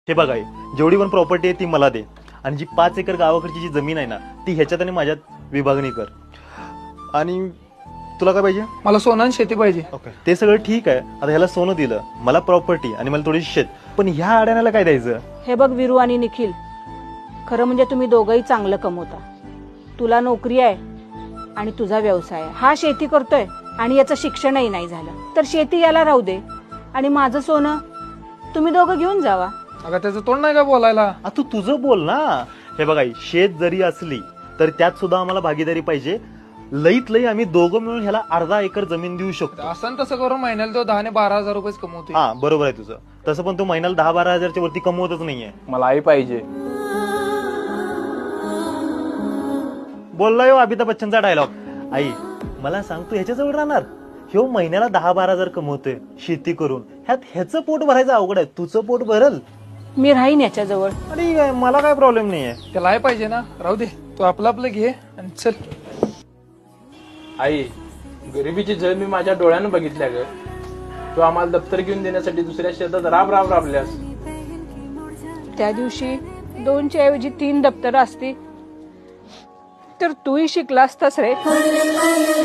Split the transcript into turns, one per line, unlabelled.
हे बघा जेवढी पण प्रॉपर्टी आहे ती मला दे आणि जी 5 एकर गावाकडची जी जमीन आहे ना ती ह्याच्यात आणि माझ्यात विभागणी कर. आणि तुला काय पाहिजे?
मला सोनं आणि शेती पाहिजे.
ओके ते सगळं ठीक आहे. आता ह्याला सोनं दिलं, मला प्रॉपर्टी आणि मला थोडी शेत, पण ह्या अड्याण्याला काय द्यायचं?
हे बघ विरू आणि निखिल, खरं म्हणजे तुम्ही दोघंही चांगलं कमवता. तुला नोकरी आहे आणि तुझा व्यवसाय आहे. हा शेती करतोय आणि याचं शिक्षणही नाही झालं, तर शेती याला राहू दे आणि माझं सोनं तुम्ही दोघं घेऊन जावा.
अगं त्याचं तोंड नाही का बोलायला?
तू तुझं बोल ना. हे बघा शेत जरी असली तर त्यात सुद्धा आम्हाला भागीदारी पाहिजे. लईत लई आम्ही दोघं मिळून ह्याला अर्धा एकर जमीन देऊ शकतो.
असं तसं करून महिन्याला तो 10 ने 12 हजार रुपये कमवतो.
हा बरोबर आहे तुझं. तसं पण तू महिन्याला 10-12 हजारच्या वरती कमवतच नाहीये.
मला आई पाहिजे.
बोलला अमिताभ बच्चनचा डायलॉग. आई मला सांग तू ह्याच्याजवळ राहणार? ह्यो महिन्याला 10-12 हजार कमवतोय शेती करून, ह्याचं पोट भरायचं अवघड आहे, तुझं पोट भरल.
मी राहीन याच्याजवळ.
आणि काय मला काय प्रॉब्लेम नाहीये.
त्याला आई पाहिजे ना, राहू दे. तू आपलं घे आणि चल.
आई गरिबीची झळ मी माझ्या डोळ्यानं बघितल्या ग. तू आम्हाला दप्तर घेऊन देण्यासाठी दुसऱ्या शेतात राबल्यास.
त्या दिवशी 2च्या ऐवजी 3 दप्तर असती तर तूही शिकला असतास रे.